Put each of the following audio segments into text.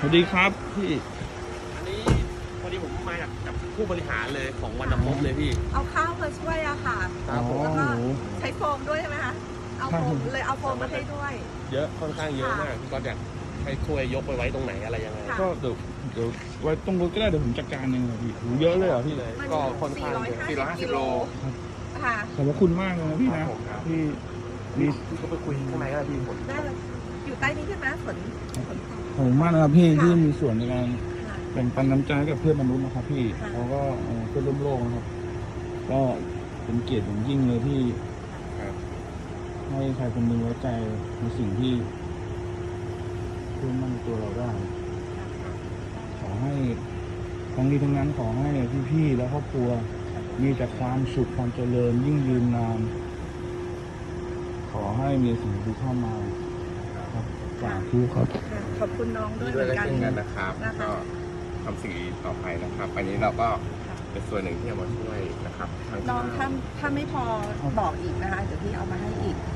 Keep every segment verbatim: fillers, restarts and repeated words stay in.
วัสดีครับพี่อันนี้พอดีผมมาจากจากผู้บริหารเลยของวันดำพบเลยพี่เอาข้าวมาช่วยอะค่ะครับผมแล้วก็ใช้โฟมด้วยใช่ไหมคะเอาโฟมเลยเอาโฟมมาให้ด้วยเยอะค่อนข้างเยอะมากพี่ก็อยากให้ช่วยยกไปไว้ตรงไหนอะไรยังไงก็เดี๋ยวเดี๋ยวไว้ตรงรถก็ได้เดี๋ยวผมจัดการเองพี่หูเยอะเลยเหรอพี่เลยก็ค่อนข้างสี่ร้อยห้าสิบกิโลค่ะขอบคุณมากเลยนะพี่นะพี่พี่พี่ก็ไปคุยข้างในก็ได้พี่ผมได้เลยอยู่ใต้นี้ใช่ไหมฝนขอบคุณมากนะครับพี่ที่มีส่วนในการแบ่งปันน้ำใจกับเพื่อนมนุษย์นะครับพี่เขาก็เพื่อนร่วมโลกนะครับก็เป็นเกียรติอย่างยิ่งเลยที่ให้ใครคนหนึ่งไว้ใจในสิ่งที่เพื่อมั่นในตัวเราได้ขอให้ทั้งนี้ทั้งนั้นขอให้พี่ๆและครอบครัวมีแต่ความสุขความเจริญยิ่งยืนนานขอให้มีสิ่งที่เข้ามาครับสาธุครับขอบคุณน้องด้วยด้เหมือนกันวยเช่นกันนะครับก็ทำสิ่งดีต่อไปนะครับอันนี้เราก็เป็นส่วนหนึ่งที่เอามาช่วยนะครับน้องถ้าถ้าไม่พอบอกอีกนะคะเดี๋ยวพี่เอามาให้อีก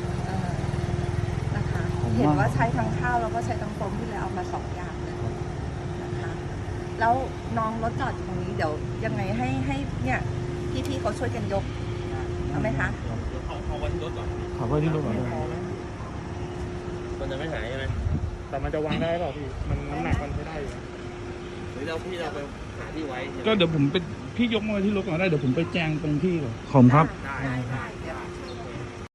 นะคะเห็นว่าใช้ทั้งข้าวแล้วก็ใช้ทั้งโฟมที่เลยเอามาสองอย่างเลยนะคะแล้วน้องรถจอดอยู่ตรงนี้เดี๋ยวยังไงให้ให้เนี่ยพี่ๆเขาช่วยกันยกเอาไหมคะเอาเอาไว้ที่รถก่อนขอไว้ที่รถก่อนมันจะไม่หายใช่ไหมแต่มันจะวางได้หรอพี่มันน้ำหนักมันไม่ได้อยู่หรือเราพี่เราไปหาที่ไว้ก็เดี๋ยวผมไปพี่ยกมาที่รถก่อนได้เดี๋ยวผมไปแจ้งตรงที่ก่อนขอบคุณครับได้